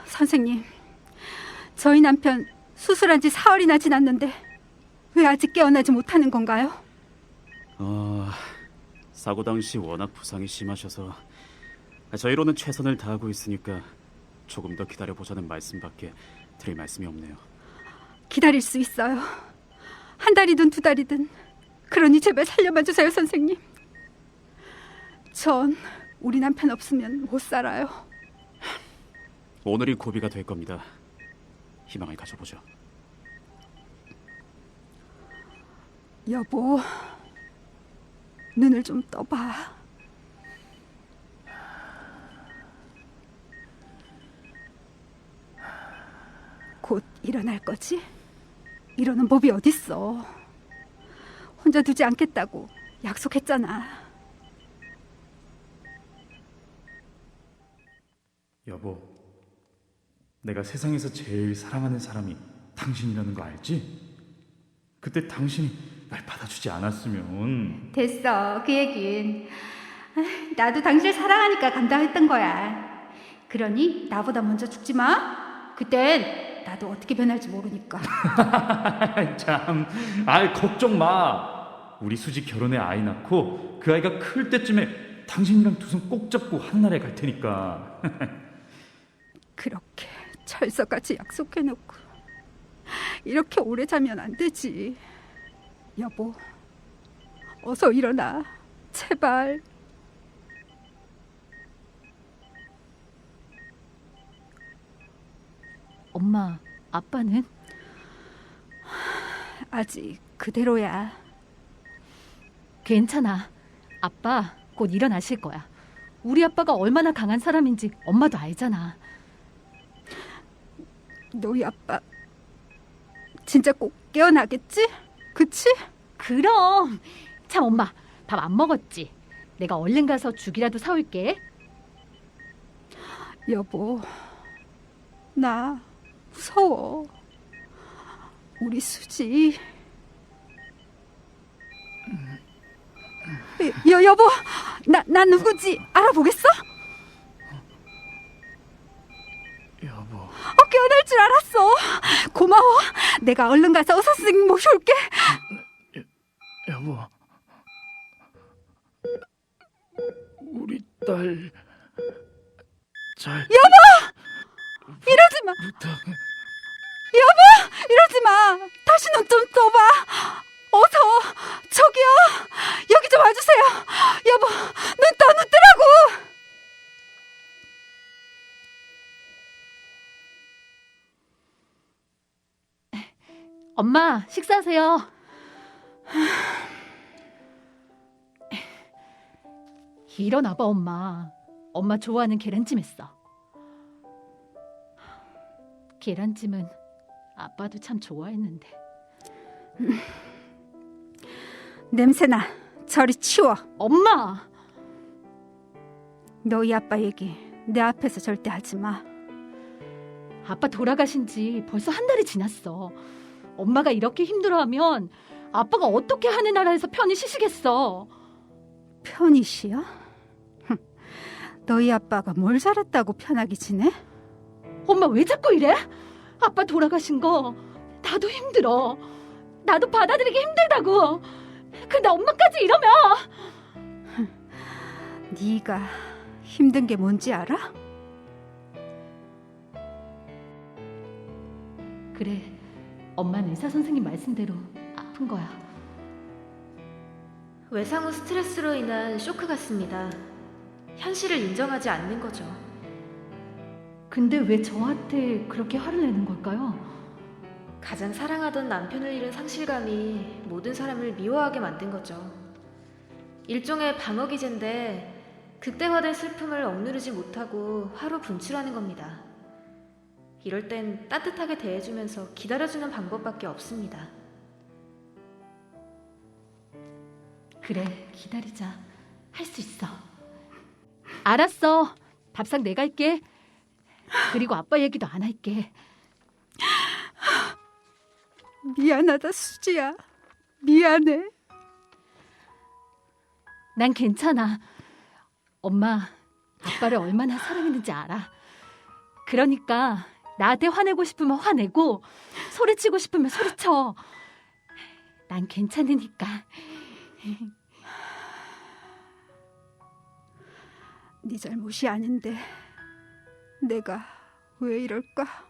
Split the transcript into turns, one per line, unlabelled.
선생님, 저희 남편 수술한 지 사흘이나 지났는데 왜 아직 깨어나지 못하는 건가요?
사고 당시 워낙 부상이 심하셔서 저희로는 최선을 다하고 있으니까 조금 더 기다려보자는 말씀밖에 드릴 말씀이 없네요.
기다릴 수 있어요. 한 달이든 두 달이든. 그러니 제발 살려봐 주세요, 선생님. 전 우리 남편 없으면 못 살아요.
오늘이 고비가 될 겁니다. 희망을 가져보죠.
여보, 눈을 좀 떠봐. 곧 일어날 거지? 이러는 법이 어딨어. 혼자 두지 않겠다고 약속했잖아.
여보, 내가 세상에서 제일 사랑하는 사람이 당신이라는 거 알지? 그때 당신이 날 받아주지 않았으면.
됐어, 그 얘긴. 나도 당신을 사랑하니까 감당했던 거야. 그러니 나보다 먼저 죽지 마. 그땐 나도 어떻게 변할지 모르니까.
참, 걱정 마. 우리 수지 결혼해 아이 낳고 그 아이가 클 때쯤에 당신이랑 두 손 꼭 잡고 하늘나라에 갈 테니까.
그렇게 철석같이 약속해놓고 이렇게 오래 자면 안 되지. 여보, 어서 일어나, 제발.
엄마, 아빠는?
아직 그대로야.
괜찮아. 아빠 곧 일어나실 거야. 우리 아빠가 얼마나 강한 사람인지 엄마도 알잖아.
너희 아빠 진짜 꼭 깨어나겠지? 그치?
그럼. 참, 엄마 밥 안 먹었지? 내가 얼른 가서 죽이라도 사올게.
여보, 나 무서워. 우리 수지. 여보, 나 누구지 알아보겠어?
여보,
깨어날 줄 알았어. 고마워. 내가 얼른 가서 의사 선생님 모셔올게.
여보, 우리 딸 잘.
이러지 마.
부탁.
여보, 이러지 마. 다시 눈 좀 떠봐. 어서. 저기요, 여기 좀 와주세요. 여보, 눈 뜨라고.
엄마, 식사하세요. 일어나봐, 엄마. 엄마 좋아하는 계란찜 했어. 계란찜은 아빠도 참 좋아했는데.
냄새나. 저리 치워.
엄마!
너희 아빠 얘기 내 앞에서 절대 하지 마.
아빠 돌아가신 지 벌써 한 달이 지났어. 엄마가 이렇게 힘들어하면 아빠가 어떻게 하늘나라에서 편히 쉬시겠어.
편히 쉬어? 너희 아빠가 뭘 잘했다고 편하게 지내?
엄마 왜 자꾸 이래? 아빠 돌아가신 거 나도 힘들어. 나도 받아들이기 힘들다고. 근데 엄마까지 이러면.
네가 힘든 게 뭔지 알아?
그래, 엄마는 의사 선생님 말씀대로 아픈 거야.
외상 후 스트레스로 인한 쇼크 같습니다. 현실을 인정하지 않는 거죠.
근데 왜 저한테 그렇게 화를 내는 걸까요?
가장 사랑하던 남편을 잃은 상실감이 모든 사람을 미워하게 만든 거죠. 일종의 방어 기제인데 극대화된 슬픔을 억누르지 못하고 화로 분출하는 겁니다. 이럴 땐 따뜻하게 대해주면서 기다려주는 방법밖에 없습니다.
그래, 기다리자. 할 수 있어. 알았어. 밥상 내가 할게. 그리고 아빠 얘기도 안 할게.
미안하다, 수지야. 미안해.
난 괜찮아. 엄마, 아빠를 얼마나 사랑했는지 알아. 그러니까 나한테 화내고 싶으면 화내고 소리치고 싶으면 소리쳐. 난 괜찮으니까.
네 잘못이 아닌데 내가 왜 이럴까?